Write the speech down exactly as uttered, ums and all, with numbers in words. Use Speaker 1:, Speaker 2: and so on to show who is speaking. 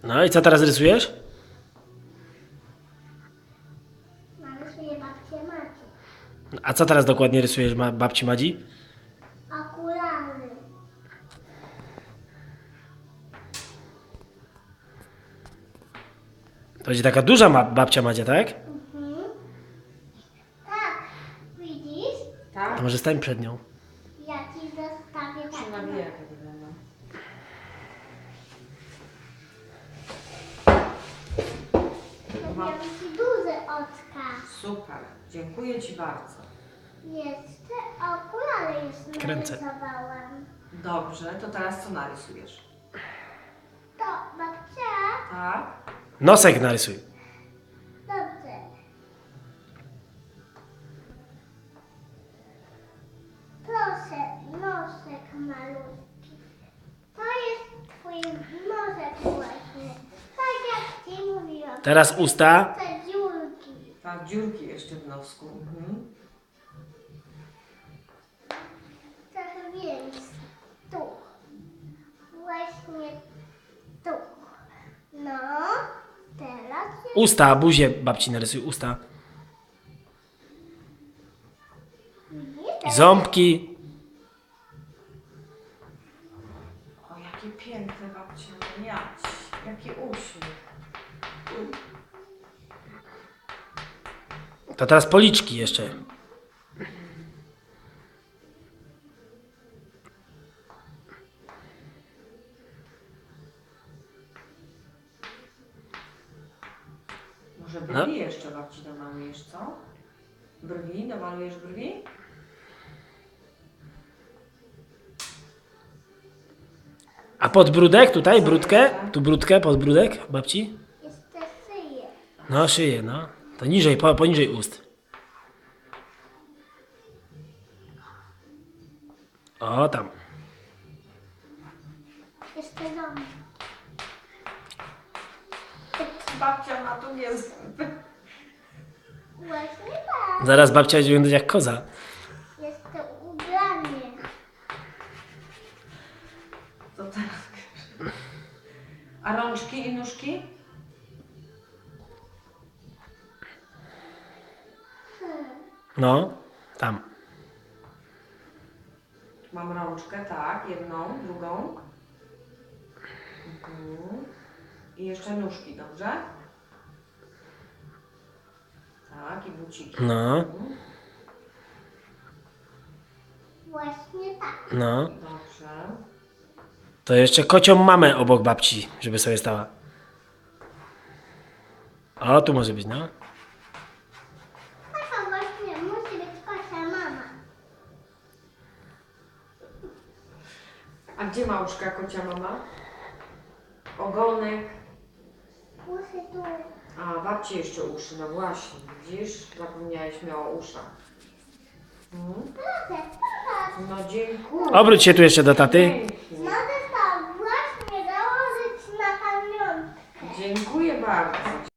Speaker 1: No i co teraz rysujesz?
Speaker 2: Narysuję babcię Macię.
Speaker 1: A co teraz dokładnie rysujesz ma babci Madzi?
Speaker 2: Okulary.
Speaker 1: To będzie taka duża ma babcia Madzia, tak?
Speaker 2: Mhm. Tak, widzisz?
Speaker 3: Tak?
Speaker 1: To może stań przed nią.
Speaker 2: Ja ci zostawię
Speaker 3: Czy
Speaker 2: taką.
Speaker 3: nawijak wygląda?
Speaker 2: Zrobiłam ci duże oczka.
Speaker 3: Super, dziękuję Ci bardzo.
Speaker 2: Jeszcze okulary już
Speaker 1: Kręcę.
Speaker 2: narysowałam.
Speaker 3: Dobrze, to teraz co narysujesz?
Speaker 2: To babcia.
Speaker 3: Tak?
Speaker 1: Nosek narysuj.
Speaker 2: Dobrze. Proszę, nosek malutki. To jest twój nosek właśnie. Tak jak ci mówiłam.
Speaker 1: Teraz usta.
Speaker 2: Te dziurki.
Speaker 3: Tak, dziurki jeszcze w nosku. Mhm.
Speaker 2: Trochę więcej. Tu. Właśnie tu. No, teraz jest
Speaker 1: Usta, buzię babci narysuj, usta. I ząbki.
Speaker 3: O, jakie piękne babcia miać. Jaki uśmiech.
Speaker 1: To teraz policzki jeszcze.
Speaker 3: Może brwi
Speaker 1: No.
Speaker 3: jeszcze babci domalujesz, co? Brwi? Domalujesz brwi?
Speaker 1: A podbródek tutaj, brudkę? Tu brudkę, podbródek babci?
Speaker 2: jeszcze szyję.
Speaker 1: No, szyję, no. To niżej, po, poniżej ust. O, tam.
Speaker 2: Jeszcze ząb.
Speaker 3: Babcia ma tu nie zęby.
Speaker 2: Właśnie tak.
Speaker 1: Zaraz babcia będzie wyglądać jak koza.
Speaker 2: Jeszcze ubranie.
Speaker 3: To teraz. A rączki i nóżki?
Speaker 2: Hmm.
Speaker 1: No, tam.
Speaker 3: Mam rączkę, tak, jedną, drugą. Mhm. I jeszcze nóżki, dobrze? Tak, i buciki.
Speaker 1: No,
Speaker 3: Mhm.
Speaker 2: Właśnie tak.
Speaker 1: no.
Speaker 3: Dobrze.
Speaker 1: To jeszcze kocią mamę obok babci, żeby sobie stała. O, tu może być, no.
Speaker 2: Taka właśnie musi być kosia mama.
Speaker 3: A gdzie ma uszka kocia mama? Ogonek.
Speaker 2: Musi tu.
Speaker 3: A, babci jeszcze uszy, no właśnie, widzisz? Zapomniałeś o uszach. Mhm.
Speaker 2: Proszę, proszę.
Speaker 3: No dziękuję.
Speaker 1: Obróć się tu jeszcze do taty.
Speaker 3: Pięknie.